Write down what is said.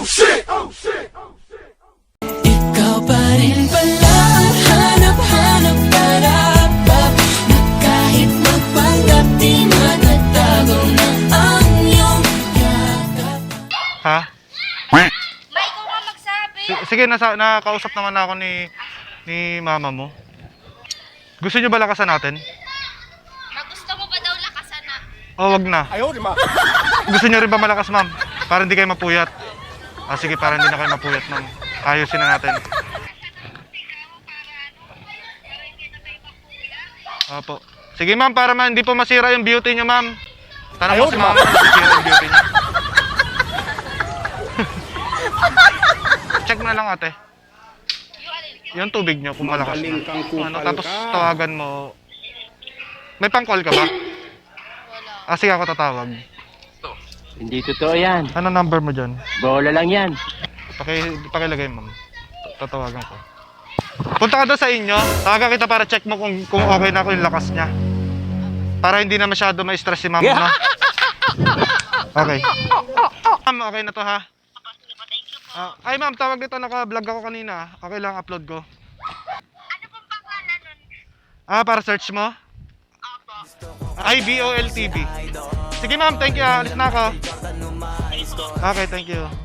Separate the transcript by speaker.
Speaker 1: Ikaw pa rin pala ang hanap-hanap para na kahit magpanggap di magtatago na ang iyong yakap.
Speaker 2: Ha?
Speaker 3: May ikaw nga magsabi.
Speaker 2: Sige, nakausap naman ako ni mama mo. Gusto niyo ba lakasan natin?
Speaker 3: Gusto mo ba daw lakasan na?
Speaker 2: O wag na. Gusto niyo rin ba malakas, ma'am? Para hindi kayo mapuyat. Sige, para hindi na kayo mapuyat, ma'am. Ayusin na natin. Opo. Sige, ma'am, para hindi po masira yung beauty niyo, ma'am. Tanong mo si mama kung masira yung beauty niyo. Check mo na lang, ate. Yung tubig niyo kung malakas na. Tapos tawagan mo. May pang-call ka ba?
Speaker 3: Wala.
Speaker 2: Sige, ako tatawag.
Speaker 4: Hindi totoo yan.
Speaker 2: Ano number mo dyan?
Speaker 4: Bola lang yan.
Speaker 2: Pakilagay, ma'am. Tatawagan ko. Punta ka doon sa inyo. Tawagan kita para check mo kung okay na ako yung lakas niya. Para hindi na masyado ma-stress si ma'am, no? Okay. Ma'am, okay na to, ha? Ay, ma'am, tawag dito. Naka-vlog ako kanina. Okay lang, upload ko.
Speaker 3: Ano pong pangalan nun?
Speaker 2: Para search mo? IBOL TV. Sige, ma'am, thank you. Alis na ako. Okay, thank you.